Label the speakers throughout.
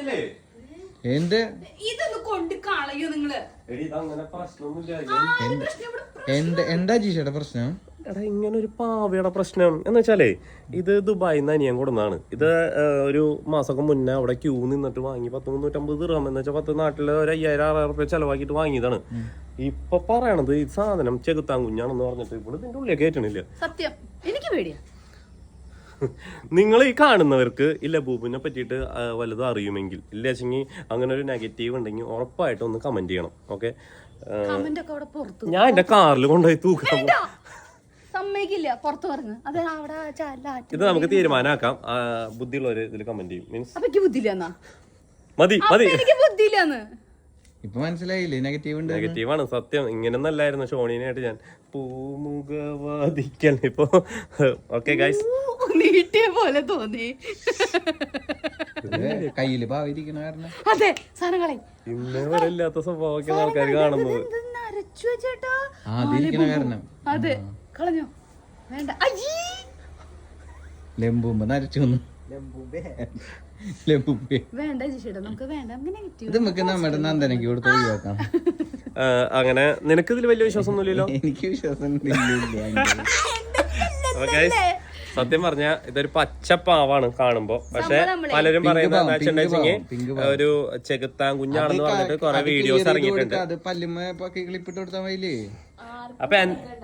Speaker 1: എന്ത്
Speaker 2: ഇതൊന്ന് കൊണ്ട് കളയോ നിങ്ങള്?
Speaker 1: എന്താ ജീഷയുടെ പ്രശ്നം?
Speaker 3: എടാ ഇങ്ങനെ ഒരു പാവയുടെ പ്രശ്നം എന്ന് വെച്ചാലേ ഇത് ദുബായിൽ നിന്ന് അനിയൻ കൊടുന്നതാണ്. ഇത് ഒരു മാസമൊക്കെ മുന്നേ അവിടെ ക്യൂ നിന്നിട്ട് വാങ്ങി 350 ദിർഹം എന്ന് വെച്ചാൽ 10 നാട്ടില് ഒരു 5000-6000 റുപ്യ ചെലവാക്കിയിട്ട് വാങ്ങിയതാണ്. ഇപ്പൊ പറയണത് ഈ സാധനം ചെകുത്താൻ കുഞ്ഞാണെന്ന് പറഞ്ഞിട്ട് ഇവിടെ ഇതിന്റെ ഉള്ളിൽ കയറ്റണില്ല.
Speaker 2: സത്യം എനിക്ക് പേടിയാ.
Speaker 3: നിങ്ങൾ ഈ കാണുന്നവർക്ക് ഈ ലബൂബിനെ പറ്റിയിട്ട് വല്ലതും അറിയുമെങ്കിൽ ഇല്ലെങ്കിൽ അങ്ങനെ ഒരു നെഗറ്റീവ് ഉണ്ടെങ്കിൽ ഉറപ്പായിട്ടും ഒന്ന് കമന്റ് ചെയ്യണം. ഓക്കെ, ഞാൻ എന്റെ കാറിൽ കൊണ്ടുപോയി തൂക്കാം.
Speaker 2: സമ്മതിക്കില്ല, പുറത്തു പറഞ്ഞു. അത് അവിടെ
Speaker 3: ഇത് നമുക്ക് തീരുമാനമാക്കാം. ബുദ്ധിയുള്ളവര് ഇതിൽ കമന്റ് ചെയ്യും. മീൻസ്
Speaker 2: അപ്പൊ ബുദ്ധിയില്ലെന്നാ?
Speaker 3: മതി മതി,
Speaker 2: എനിക്ക് ബുദ്ധിയില്ലെന്ന്
Speaker 1: ഇപ്പൊ മനസ്സിലായില്ലേ?
Speaker 3: നെഗറ്റീവാണ് സത്യം. ഇങ്ങനെയൊന്നല്ലായിരുന്നു ഷോണിനായിട്ട് ഞാൻ പൂമുഖവാദിക്കൽ. ഇപ്പൊ ഓക്കെ ഗൈസ്,
Speaker 2: നീട്ടിയ പോലെ തോന്നി.
Speaker 1: കയ്യില് പാവിരിക്കണ കാരണം
Speaker 2: അതെ സാധനങ്ങളെ
Speaker 3: ഇന്നേ വരെ ഇല്ലാത്ത സ്വഭാവമൊക്കെ ആൾക്കാർ കാണുന്നത്.
Speaker 2: അതെ കളഞ്ഞോ? വേണ്ട.
Speaker 1: ലെമ്പുമ്പോ നരച്ചു
Speaker 2: വേണ്ട ജിഷേട്ടാ, നമുക്ക് വേണ്ട.
Speaker 1: ഇത് നമുക്ക് നമ്മുടെ നന്ദനക്ക് കൊടുത്ത് ഒഴിവാക്കാം.
Speaker 3: അങ്ങനെ നിനക്ക് ഇതിൽ വലിയ വിശ്വാസം ഒന്നുമില്ലല്ലോ?
Speaker 1: എനിക്ക് വിശ്വാസം
Speaker 3: സത്യം പറഞ്ഞ ഇതൊരു പച്ചപ്പാവാണ് കാണുമ്പോ. പക്ഷെ പലരും പറയുന്നത് ഒരു ചെകുത്താൻ കുഞ്ഞാണെന്ന് പറഞ്ഞിട്ട് കൊറേ വീഡിയോസ് ഇറങ്ങിയിട്ടുണ്ട്.
Speaker 1: അത് പല്ലുമ്മ ക്ലിപ്പിട്ട് കൊടുത്താൽ മതിയില്ലേ?
Speaker 3: അപ്പൊ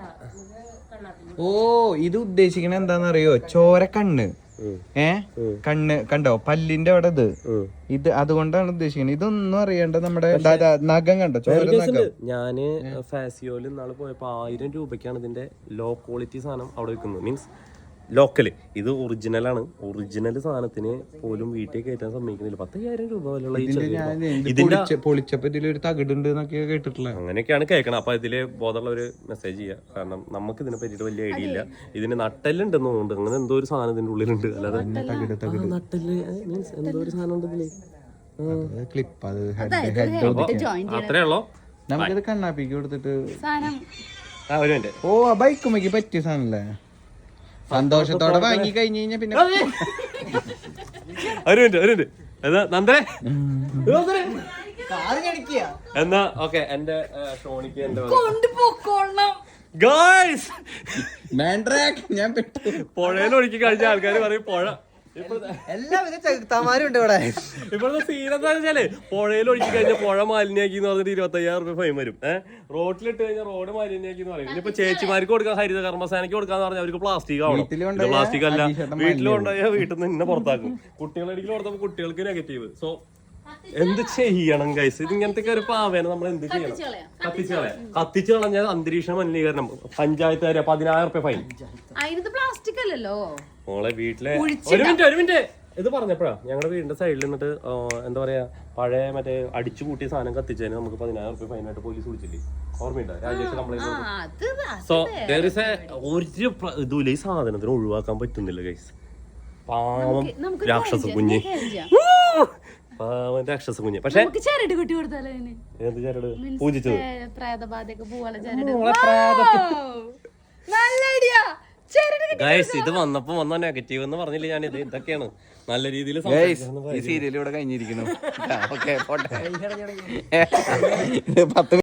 Speaker 1: ഓ, ഇത് ഉദ്ദേശിക്കണ എന്താന്നറിയോ? ചോര കണ്ണ്. കണ്ണ് കണ്ടോ? പല്ലിന്റെ അവിടെ ഇത് അതുകൊണ്ടാണ് ഉദ്ദേശിക്കുന്നത്. ഇതൊന്നും അറിയണ്ട. നമ്മുടെ നഖം കണ്ടോ? ചോര നഖം.
Speaker 3: ഞാന് ഫാസിയോയിൽ ഇന്നാള് പോയപ്പോ 1000 രൂപയ്ക്കാണ് ഇതിന്റെ ലോ ക്വാളിറ്റി സാധനം അവിടെ വെക്കുന്നത്. Means local. ഇത് ഒറിജിനലാണ്. ഒറിജിനൽ സാധനത്തിന് പോലും വീട്ടിൽ കയറ്റാൻ സമ്മതിക്കുന്നില്ല. 10,000 രൂപ വിലയുള്ള
Speaker 1: പൊളിച്ചപ്പോ ഇതിലൊരു തകിടുണ്ട് എന്നൊക്കെ കേട്ടിട്ടില്ല.
Speaker 3: അങ്ങനെയൊക്കെയാണ് കേൾക്കണം. അപ്പൊ ഇതില് ബോധമുള്ള ഒരു മെസ്സേജ് ചെയ്യാം. കാരണം നമുക്ക് ഇതിനെ പറ്റിയിട്ട് വലിയ ഐഡിയ ഇല്ല. ഇതിന് നട്ടെല്ലുണ്ടെന്ന് തോന്നുന്നുണ്ട്. അങ്ങനെ എന്തോ ഒരു സാധനം ഇതിന്റെ ഉള്ളിലുണ്ട്. അല്ലാതെ നട്ടെല്ല് മീൻസ് എന്തോ ഒരു സാധനം ഉണ്ട് ഇതില്. അത്രേ ഉള്ളോ?
Speaker 1: നമുക്കിത് കണ്ണാപ്പിക്ക് കൊടുത്തിട്ട്
Speaker 3: ഒരു മിനിറ്റ്.
Speaker 1: ഓ, ബൈക്കുമ്മക്ക് പറ്റിയ സാധനല്ലേ? സന്തോഷത്തോടെ വാങ്ങി കഴിഞ്ഞു കഴിഞ്ഞാ പിന്നെ
Speaker 3: ഒരു മിനിറ്റ് നന്ദനെ എന്നാ ഓക്കെ. എന്റെ ഷോണിക്ക് എന്റെ
Speaker 1: ഞാൻ
Speaker 3: പുഴയിൽ ഒഴുക്കി കഴിഞ്ഞ ആൾക്കാർ പറയും പുഴ
Speaker 4: എല്ലാവിധ ചെകുത്താന്മാരും ഉണ്ട് ഇവിടെ.
Speaker 3: ഇപ്പോഴത്തെ സീൻ എന്താ വെച്ചാല് പുഴയിൽ ഒഴുക്കി കഴിഞ്ഞാൽ പുഴ മാലിന്യാക്കി എന്ന് പറഞ്ഞിട്ട് 25,000 രൂപ ഫൈൻ വരും. റോഡിലിട്ട് കഴിഞ്ഞാൽ റോഡ് മാലിന്യാക്കി എന്ന് പറയും. ഇനിയിപ്പോ ചേച്ചിമാർക്ക് കൊടുക്കാൻ, ഹരിത കർമ്മസേനയ്ക്ക് കൊടുക്കാന്ന് പറഞ്ഞാൽ അവർക്ക് പ്ലാസ്റ്റിക് ആവണം. പ്ലാസ്റ്റിക് അല്ല, വീട്ടിലുണ്ടായാൽ വീട്ടിൽ നിന്ന് ഇന്നെ പുറത്താക്കും. കുട്ടികളെടുക്കൽ കൊടുത്തപ്പോൾ കുട്ടികൾക്ക് നെഗറ്റീവ്. സോ എന്ത് ചെയ്യണം ഗൈസ്? ഇത് ഇങ്ങനത്തെ ഒരു പാവേന നമ്മൾ എന്ത് ചെയ്യണം? കത്തിച്ചു കളഞ്ഞാൽ അന്തരീക്ഷ മലിനീകരണം. പഞ്ചായത്തുകാരെ 10,000 രൂപ ഫൈൻ.
Speaker 2: പ്ലാസ്റ്റിക് അല്ലല്ലോ
Speaker 3: മോളെ. വീട്ടിലെ ഒരു മിനിറ്റ് ഇത് പറഞ്ഞപ്പോഴാ ഞങ്ങളുടെ വീടിന്റെ സൈഡിൽ നിന്നിട്ട് എന്താ പറയാ, പഴയ മറ്റേ അടിച്ചു കൂട്ടിയ സാധനം കത്തിച്ചതിന് നമുക്ക് 10,000 രൂപ ഫൈനായിട്ട് പോലീസ് വിളിച്ചില്ലേ? ഓർമ്മയുണ്ടോ? Rajesh complaint. So there is ഒരു ഇതുമില്ല. ഈ സാധനത്തിന് ഒഴിവാക്കാൻ പറ്റുന്നില്ല ഗൈസ്. പാവം രാക്ഷസ കുഞ്ഞ്, പാവം രാക്ഷസ കുഞ്ഞ്. പക്ഷെ എന്ത് ചരട്? പൂജിച്ചത് ഗൈസ്. ഇത് വന്ന നെഗറ്റീവ് എന്ന് പറഞ്ഞില്ല ഞാൻ. ഇത് ഇതൊക്കെയാണ് നല്ല രീതിയിൽ
Speaker 1: ഈ സീരിയൽ ഇവിടെ കഴിഞ്ഞിരിക്കുന്നു.